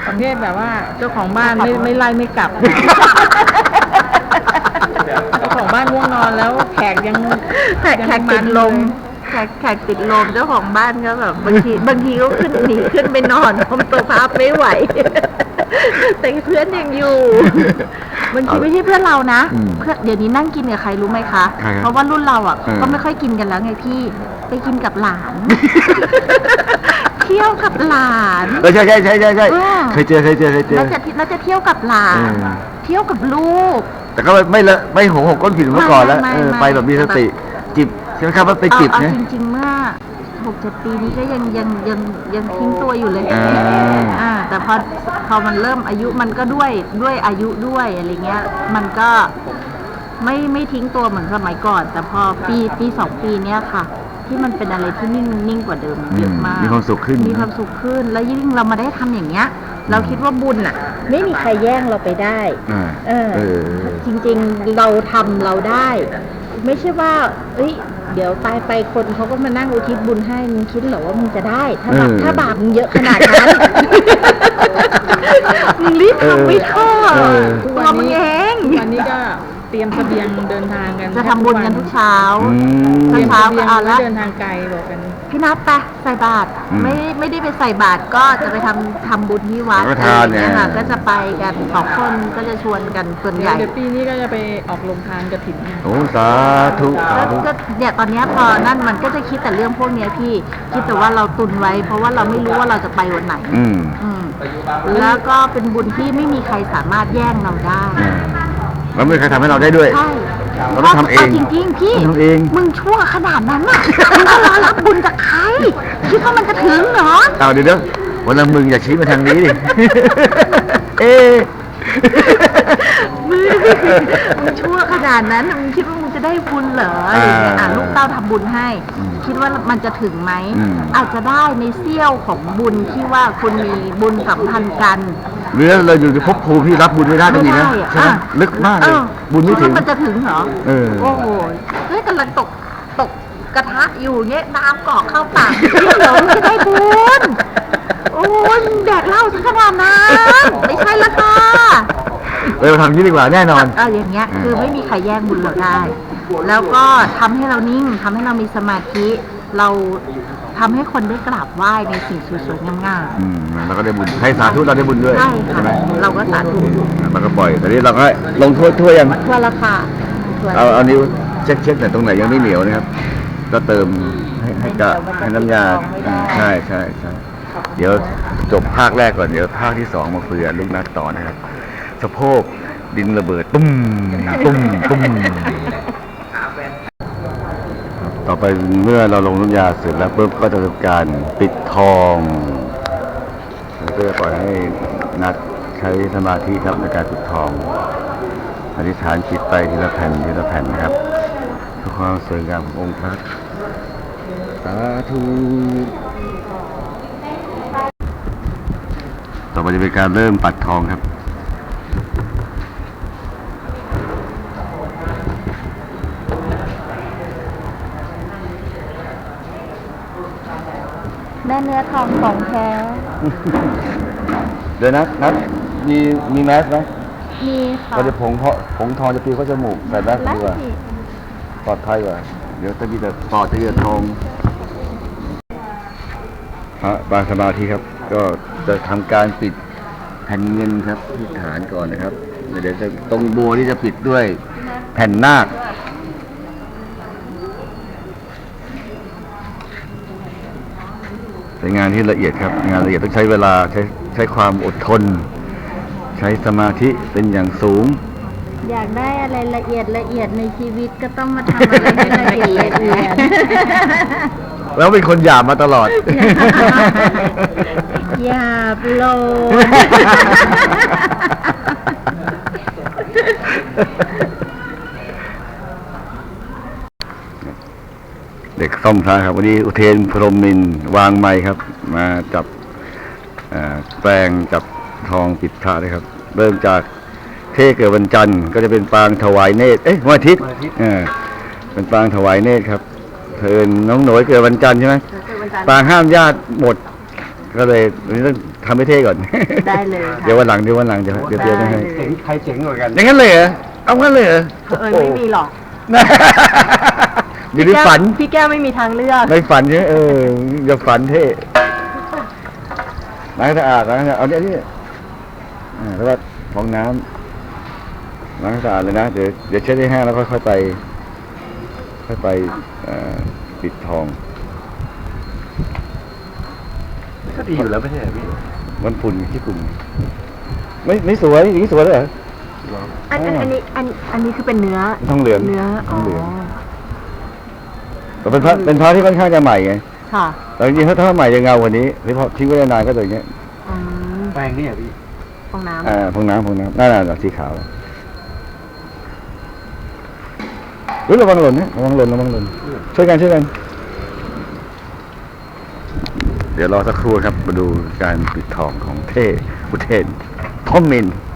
ประเภทแบบว่าเจ้าของบ้านไม่ไล่ไม่กลับเจ้าของบ้านง่วงนอนแล้วแขกติดลมแขกติดลมเจ้าของบ้านก็แบบบางทีก็หนีขึ้นไปนอนเพราะตัวพับไม่ไหวแต่เพื่อนยังอยู่บางทีไม่ใช่เพื่อนเรานะเพื่อนเดี๋ยวนี้นั่งกินกับใครรู้ไหมคะเพราะว่ารุ่นเราอ่ะก็ไม่ค่อยกินกันแล้วไงพี่ไปกินกับหลานเที่ยวกับหลานใช่เคยเจอน่าจะเที่ยวกับหลานเที่ยวกับลูกแต่ก็ไม่หงก้นผิดเมื่อก่อนแล้วไปแบบมีสติจิบใช่ไหมครับว่าไปจิบเนี่ยจริงๆเมื่อ6-7 ปีนี้ก็ยังทิ้งตัวอยู่เลยแต่พอมันเริ่มอายุมันก็ด้วยอายุด้วยอะไรเงี้ยมันก็ไม่ทิ้งตัวเหมือนสมัยก่อนแต่พอปี2 ปีเนี้ยค่ะที่มันเป็นอะไรที่นิ่งกว่าเดิมเยอะมากมีความสุขขึ้นแล้วยิ่งเรามาได้ทำอย่างเงี้ยเราคิดว่าบุญอ่ะไม่มีใครแย่งเราไปได้จริงๆเราทำเราได้ไม่ใช่ว่าเดี๋ยวตายไปคนเขาก็มานั่งอุทิศบุญให้มึงคิดเหรอว่ามึงจะได้ถ้าบาปมึงเยอะขนาดนั้นมึงรีบทำไม่ท้อตัวมึงเองวันนี้ก็เตรียมเสบียงเดินทางกันจะทำบุญกันทุกเช้าก็เอาละเดินทางไกลบอกกันพี่นัทไปใส่บาตรไม่ได้ไปใส่บาตรก็จะไปทำบุญที่วัดเนี่ยค่ะก็จะไปกัน2 คนก็จะชวนกันส่วนใหญ่เดี๋ยวปีนี้ก็จะไปออกโรงทานกฐินโอ้สาธุก็เนี่ยตอนนี้พอนั่นมันก็จะคิดแต่เรื่องพวกนี้พี่คิดแต่ว่าเราตุนไว้เพราะว่าเราไม่รู้ว่าเราจะไปวันไหนแล้วก็เป็นบุญที่ไม่มีใครสามารถแย่งเราได้แล้วไม่มีใครทำให้เราได้ด้วยใช่เราต้องทำเองจริงๆพี่ทำเองมึงชั่วขนาดนั้นน่ะมึงจะรอรับบุญจากใครคิดว่ามันจะถึงเหรอเดี๋ยววันละมึงอย่าชี้มาทางนี้ดิมึงชั่วขนาดนั้นมึงคิดว่ามึงจะได้บุญเหรออะไรเงี้ยลูกเต้าทำบุญให้คิดว่ามันจะถึงไหมอาจจะได้ในเสี้ยวของบุญที่ว่าคุณมีบุญสัมพันธ์กันหรือเราอยู่ในภพภูมิที่รับบุญไม่ได้ก็มีนะใช่ไหมลึกมากเลยบุญไม่ถึงมันจะถึงเหรอโอ้โหกำลังตกกระทะอยู่เงี้ยน้ำกอกเข้าปากเดี๋ยวจะได้บุญโอ้ยแดกเหล้าถึงขนาดนั้นไม่ใช่ละค่ะเราทำนี้ดีกว่าแน่นอนอย่างเงี้ยคือไม่มีใครแย่งบุญเราได้แล้วก็ทำให้เรานิ่งทำให้เรามีสมาธิเราทำให้คนได้กราบไหว้ในสิ่งสวยๆงามๆเราก็ได้บุญให้สาธุเราได้บุญด้วยใช่ไหมเราก็สาธุเราก็ปล่อยแต่นี้เราก็ลงทั่วยังทั่วราคาเอานิ้วเช็คแต่ตรงไหนยังไม่เหนียวนะครับก็เติมให้น้ำยาใช่เดี๋ยวจบภาคแรกก่อนเดี๋ยวภาคที่2มาคุยกับลูกนัดต่อนะครับสะโพกดินระเบิดตุ้มต่อไปเมื่อเราลงน้ำยาเสร็จแล้วปุ๊บก็จะทำการปิดทองแล้วก็จะปล่อยให้นัดใช้สมาธิครับในการปิดทองอธิษฐานจิตไปทีละแผ่นนะครับเพื่อความสวยงามขององค์พระสาธุต่อไปจะเป็นการเริ่มปัดทองครับได้เนื้อทองของแท้เดี๋ยวนัดมีแมสไหมมีค่ะเราจะผงทองจะปีเข้าจมูกใส่แมสดีกว่าปลอดภัยกว่าเดี๋ยวจะมีแต่ปอดจะมีทองบางสมาธิครับก็จะทำการปิดแผ่นเงินครับที่ฐานก่อนนะครับเดี๋ยวจะตรงบัวที่จะปิดด้วยแผ่นนาคเป็นงานที่ละเอียดครับงานละเอียดต้องใช้เวลาใช้ความอดทนใช้สมาธิเป็นอย่างสูงอยากได้อะไรละเอียดในชีวิตก็ต้องมาทำอะไรให้ละเอียดแล้วเป็นคนหยาบมาตลอดหยาบโลเด็กซ่อมพระครับวันนี้อุเทนพรหมินทร์วางไม้ครับมาจับแปลงจับทองปิดพระเลยครับเริ่มจากเทเกิดวันจันทร์ก็จะเป็นปางถวายเนตรวันอาทิตย์เป็นปางถวายเนตรครับเทินน้องหน่อยเกิดวันจันทร์ใช่ไหมปางห้ามญาติหมดก็เลยวันนี้ต้องทำให้เท่ก่อนได้เลยค่ะเดี๋ยววันหลังเดี๋ยวเตรียมให้ได้เลยใครเจ๋งกว่ากันอย่างนั้นเลยเหรอเอางั้นเลยเหรอไม่มีหรอกอยู่ในฝันพี่แก้วไม่มีทางเลือกในฝันใช่ไหมอย่าฝันเท่ล้างสะอาดเอาเนี่ยแล้วก็ฟองน้ำล้างสะอาดเลยนะเดี๋ยวเช็ดให้แห้งแล้วค่อยไปปิดทองก็ดีอยู่แล้วไม่ใช่เหรอพี่มันฝุ่นที่ฝุ่นไม่สวยอย่างนี้สวยเลยเหรออันนี้คือเป็นเนื้อทองเหลืองเนื้อทองเหลืองแต่เป็นพระที่ค่อนข้างจะใหม่ไงค่ะแต่จริงๆถ้าใหม่จะเงากว่านี้หรือพอทิ้งไว้นานก็จะอย่างเงี้ยอืมแปลงนี่เหรอพี่ฟองน้ำพงน้ำนั่นสีขาวระวังหล่นนะระวังหล่นช่วยกัน เดี๋ยวรอสักครู่ครับมาดูการปิดทองของเท่อุเทนทอมมิน